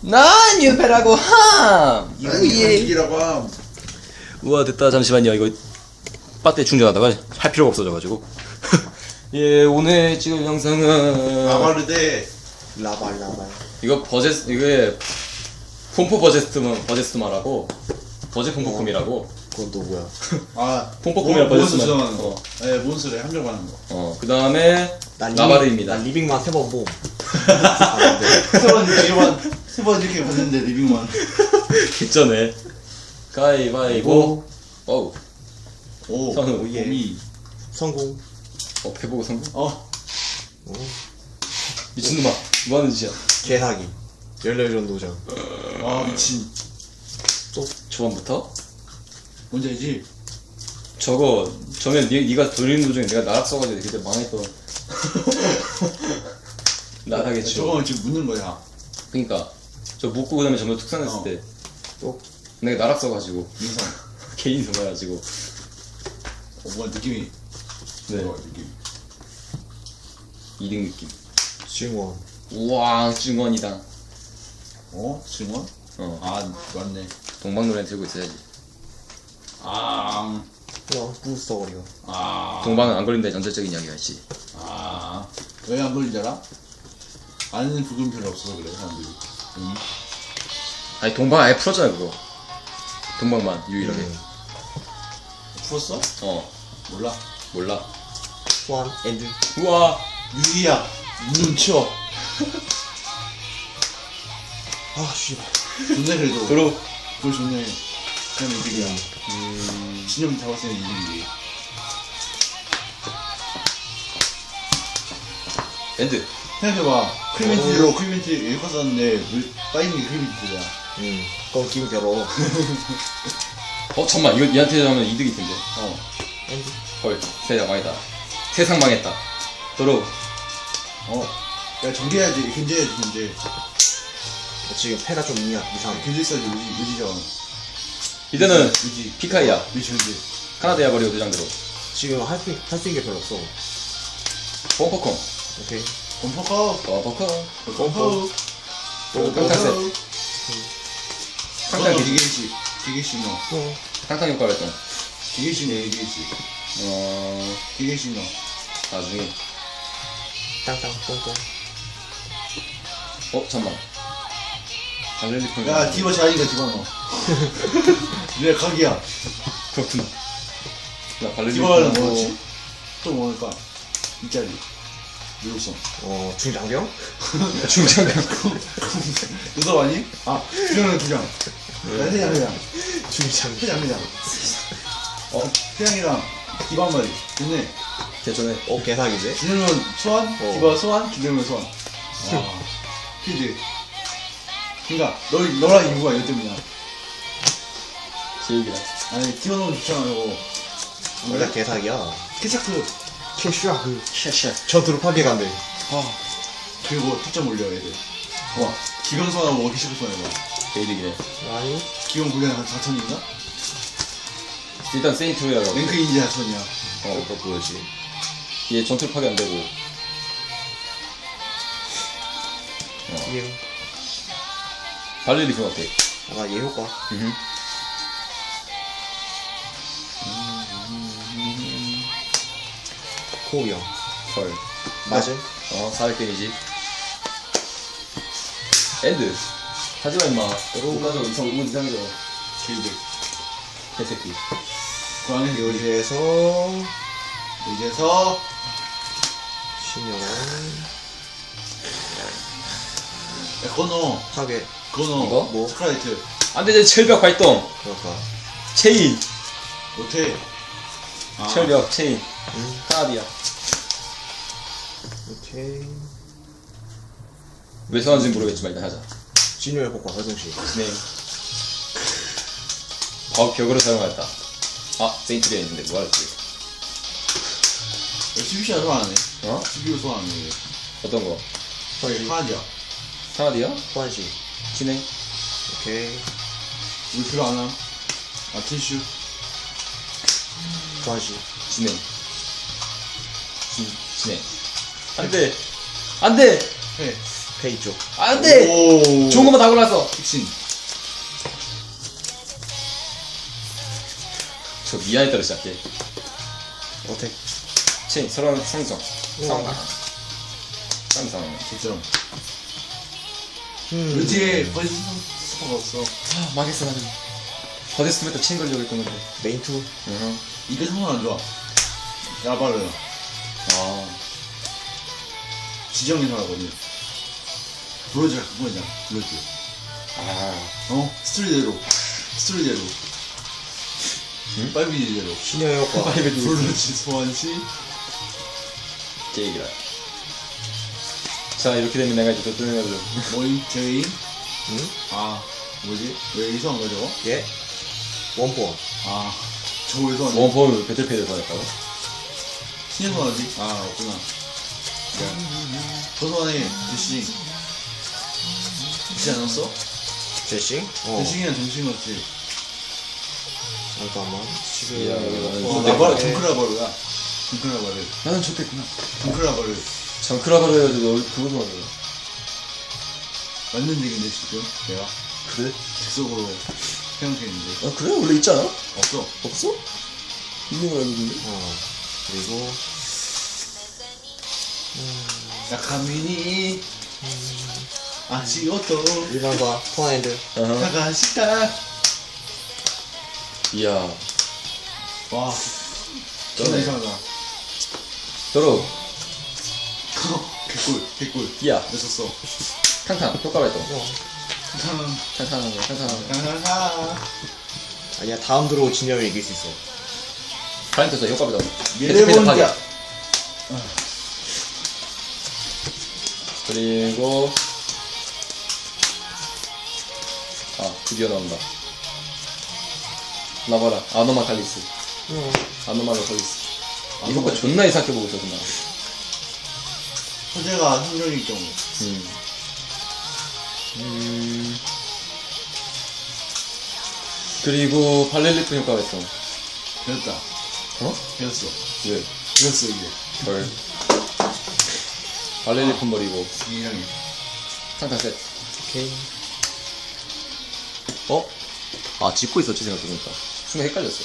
난 유배라고 함! 이기라고 함. 우와 됐다. 잠시만요. 이거 배터리 충전하다가 할 필요가 없어져가지고. 예, 오늘 찍을 영상은 아바르데 라발. 이거 이게 폼포 버제스트마라고 버제 폼포콤이라고. 그건 또 뭐야? 아 폼포콤이랑 몬스 버제스트마. 저장하는 거. 네, 몬스를 함정하는 거. 그 다음에 라바르입니다. 난 리빙만 3번 봄. 세번 이렇게 봤는데 리빙만. 개쩌네. 가위바위보. 어우. 오. 선우. 오예. 미. 성공. 배보고 성공? 어. 미친놈아. 뭐하는 짓이야? 개사기. 14전 도전. 아 미친. 초반부터? 뭔지 알지? 저면 니가 돌리는 도중에 내가 나락 써가지고 그때 망했던. 나락했죠. 저거는 지금 묻는 거야. 그니까 저 묶고 그다음에 전부 특산했을 때 또 내가 나락 써가지고 인성. 개인 선해가지고. 뭔가 느낌이. 네. 뭐야, 느낌. 2등 느낌. 증원. 우와 증원이다. 증원? 아 맞네. 동방노래 들고 있어야지. 아. 부스터 거리가. 동방은 안 걸린다의 전설적인 이야기였지. 왜 안 걸리지 알아? 아는 부금 별로 없어서 그래 사람들이. 아니 동방 아예 풀었잖아 그거. 동방만 유일하게. 풀었어? 몰라. 몰라. 소환 엔드. 우와. 유리야. 눈 치워. 아 씨발. 좋네 그래도. 도로. 그거 좋네. 그냥 이득이야. 진영 잡았으면 이득이지. 엔드. 생각해봐. 크리멘티로 크리멘티 이렇게 썼는데 왜 빠진 게 크리멘티야. 그럼 기분 괴로워. 잠만 이거 얘한테 하면 이득일 텐데. 엔드. 헐 세상 망했다. 세상 망했다. 도로. 야 전개해야지. 견제해야지 견제. 지금 패가 좀 이상해. 견제 써야지 유지죠. 이제는 유지. 피카이야. 유지 견제. 카나다야 버리고 대장대로. 지금 할 수 있는 게 별로 없어. pompokom. 오케이. 범퍼커. pompokom. 범퍼. 탕탕 탕탕 기계식. 기계식 넣어. 탕탕 효과 발동. 기계식 넣어 기계식. 기계식 넣어. 나중에. 땅땅 똥똥. 잠만. 발렌리폰. 야 디바 자리가 디바 넣어. 내 각이야. 그렇구나. 나 발렌리폰. 디바는 뭐였지? 또 뭐랄까? 이 자리. 유독성. 중장병? 중장병. 누가 아니? 주장은 주장. 회장. 중장병. 회장. 회장이랑 디바 한 마리. 좋네. 개전에. 개사기인데? 준영은 소환, 디바 소환, 기대면 소환. 필드. 그니까 너랑 이유가 이것 때문이야. 제 얘기다. 아니 디바 너무 좋잖아요. 원래 개사기야. 캐차크. 캐슈아그. 샤샤. 전투로 파괴간대. 그리고 특점 올려 애들. 와 기병 소환하고 워키시프 소환해봐. 개이득이네. 아니. 기병 분량 한 4천인가? 일단 세인트로야라고. 랭크 인지 4천이야. 그거 보여지. 얘 전투 파괴 안 되고. 얘. 발렌리폰 어때? 얘 효과. 코비형. 헐. 맞음. 400 데미지. 엔드. 하지마 임마. 못 가져. 이상해져. 길드. 개새끼. 고양이 요리에서 이제서 신년원 그거 넣어. 파괴. 그거 넣어. 이거? 뭐? 스크라이트. 안돼 철벽 발동. 그럴까. 체인. 못해. 철벽 체인. 카나디아. 오케이. 왜 선한지 모르겠지만 일단 하자. 진열 효과 활동시. 네. 벽으로 사용하였다. 세인트리아 있는데 뭐하랬지? CBC가 소환 안 해. 어? CB로 소환 안 해. 어떤 거? 하나디야. 카나디아? 소환시. 진행. 오케이. 우리 필요 안 함. 티슈. 소환시. 진행. 진행. 안돼. 안돼. 해. 페이 쪽. 안돼! 오. 좋은 것만 다 골랐어. 픽신. 저 미안에 따라 시작해. 어택. 체인 서로 상성. 상상. 진짜로. 음. 왠지 벌써 수가 없어. 아 망했어 나는. 버데스트면 또 체인 걸려고 했던 건데. 메인 투. 응. 이게 상관 안 좋아. 야바르. 아. 지정이 나가거든. 브로즈가 그거잖아. 브로즈. 아. 어? 스토리대로. 스토리대로. 응? 빨비대로. 신의 효과. 브로즈 소환시. 게이기라. 자 이렇게 되면 내가 이제 또 뜨내가지고. 모임 제인. 응? 아 뭐지? 왜 여기서 한 거야 저거? 예. 원포원. 아 저거에서 한 거? 원폼 배틀페이를 받았다고? 신경 하지? 아 없구나. 저번에 대시 않았어? 제싱? 대시이랑 정신없지. 잠깐만. 지금 이야, 어, 네. 라바르 정크라바르야. 정크라바르. 나는 좋겠구나. 정크라바르. 정크라바로 해가지고 너 그거도 하네. 맞는데 근데 지금 내가 그래? 즉석으로 생각했는데 아 그래? 원래 있잖아? 없어. 없어? 있는 걸 알고 있는데? 그리고 야카미니 아시오토 일반과 톤핸드. 아하. 가가시타. 이야. 와 진짜 이상하다. 도로. 개꿀. 이야. 늦었어. 탕탕. 효과 발동. 탕탕. 탕탕. 탕탕탕. 아니야, 다음 드로우 진영이 이길 수 있어. 파인트에서 효과 발동. 미래본자. 그리고 아 드디어 나온다. 나봐라. 아노마 칼리스. 아노마로 칼리스. 이 효과 존나 이상하게 보고 있었구나. 호재가 한정일 경우. 그리고 발렐리프 효과가 있어. 배웠다. 어? 배웠어. 왜? 배웠어 이게. 헐. 발렐리프 버리고 이상해. 탕탕 셋. 오케이. 어? 아 짚고 있었지 생각해보니까. 순간 헷갈렸어.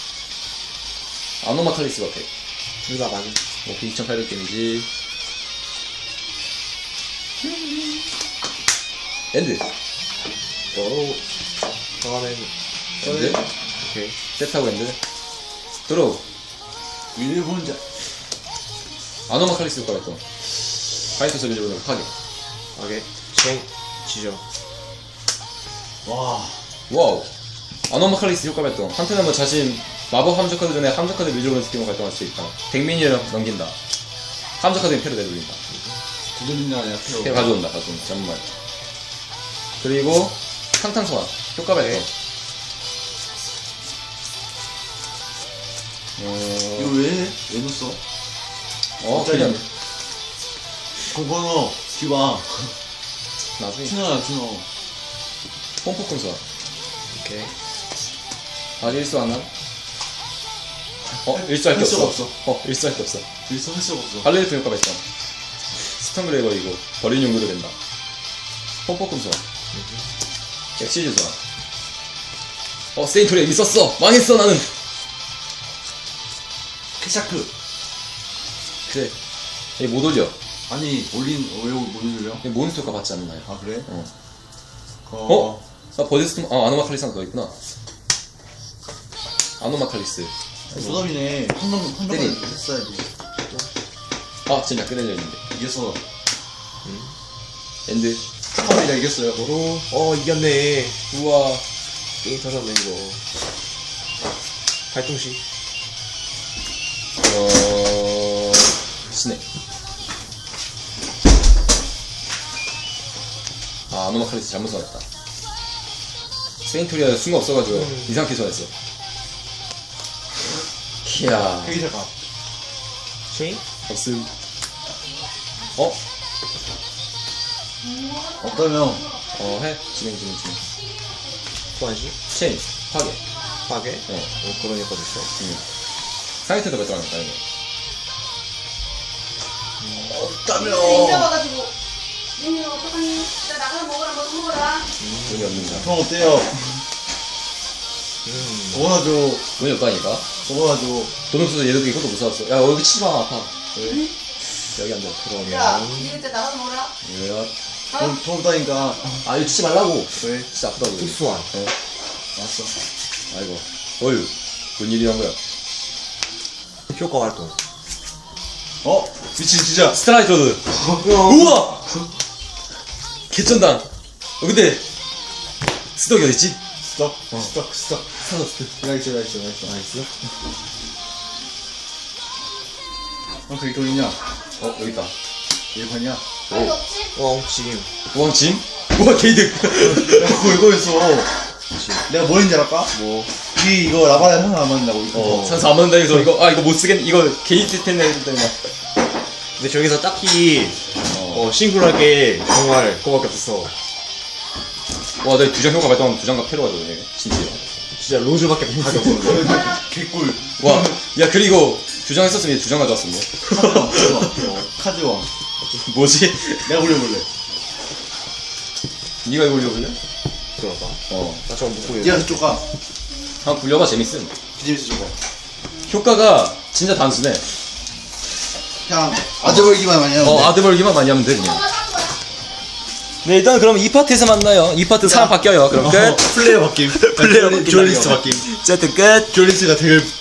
아노마 칼리스 같아. 둘 다 맞은. 오케이 2800 데미지. 엔드. 또 다음엔 엔드. 오케이. 세트하고 엔드. 드로우. 미래본자. 아노마 칼리스 효과가 있던. 파이터 소리를 파괴. 오케이. 쉥 지죠. 와. 와우. 아노마 칼리스 효과가 있던. 한편에 자신 마법 함정 카드 전에 함정 카드 밀려오는 스킬로 발동할 수 있다. 덱미니를 넘긴다. 함정 카드에 패로 내돌린다. 두드린다 아니야 패로 패로. 가져온다. 잠깐만. 그리고 탕탕 소환. 효과 발동. 이거 왜 넣었어? 그냥 그거너 기봐. 나중에 준호야 준호. pompo콘 소환. 오케이. 아직 일수 안 함? 일수할 게 할 수가 없어. 일수할 게 없어. 일서 할 수가 없어. 발레리프 효과 발동. 스턴그레이버이고 버린 용도로 된다. pompo콘 소환. 엑시즈 소환. 세인토리에 있었어. 망했어 나는. 케샤크. 그래. 얘 못 올려. 아니 올린 왜 못 올려? 얘 몬스터 효과 받지 않나요? 아 그래? 어? 아 버디스트 아노마 칼리스 하나 더 있구나. 아노마 칼리스. 소담이네. 한번 때리. 했어야지. 진짜 끄내려 있는데. 이겼어. 엔드. 축하합니다 이겼어요. 도로. 이겼네. 우와. 게임 터졌네 이거. 발동시. 스네. 아노마 칼리스 잘못 써놨다. 세인토리아 순간 없어가지고 이상하게 써냈어. 이야. 회의자가. 쉐인? 없음. 없다면 해. 진행. 소환시? 체인. 파괴. 파괴? 그런 효과도 있어. 상위테도 발동하니까, 이거. 없다면 인정와가지고 민이 어떡하니? 나 나가서 먹어라, 뭐 먹어라. 돈이 없는다. 형 어때요? 도와줘. 돈이 없다니까? 도와줘. 돈 없어서 얘도 이것도 못 사왔어. 야, 여기 치지 마, 아파. 왜? 여기 안 돼. 야, 니 그때 나가서 먹어라. 왜요? 돈 없다니까. 아, 이거 치지 말라고. 왜? 진짜 아프다고. 이거. 특수한. 어? 왔어. 아이고. 어휴. 뭔 일이 난 거야? 효과 활동. 미친 진짜. 스트라이커드. 우와! 개쩐다. 근데, 스덕이 어딨지? 스톱. 스톱. 사졌어. 나 있어. 나이스. 그게 돈 있냐? 여기 있다. 일반이야. 아니, 없지? 지금. 우왕짐? 우와, 게이득. 야, 그거 이거였어. 내가 뭐 했는지 알까? 뭐. 이거 라바다 하나 안 맞는다고. 산수 안 맞는다 해서 이거 못 쓰겠네. 이거 게이트 텐데 했더니 막. 근데 저기서 딱히, 싱글하게 정말 그거밖에 없었어. 와, 내가 두장 효과 발동하면 두 장가 패로 가져오네. 진짜. 진짜 로즈밖에 없었어. 개꿀. 와, 야, 그리고 두 장 했었으면 두 장 가져왔어, 뭐. 카드왕. 뭐지? 내가 올려볼래. 니가 이거 올려볼래? 그러다. 어. 나 저거 못 보여. 니가 그쪽 가. 한번 굴려봐, 재밌음. 비즈니스 저거. 효과가 진짜 단순해. 그냥 아재벌기만 많이 하면 돼. 아드벌기만 많이 하면 돼, 그냥. 뭐가 산 거야? 네, 일단 그럼 2파트에서 만나요. 2파트 사람 바뀌어요. 그럼 끝. 플레이어 바뀜. 플레이어 바뀐 듀얼리스트 날이요. 바뀜. 어쨌든 끝. 듀얼리스트가 되게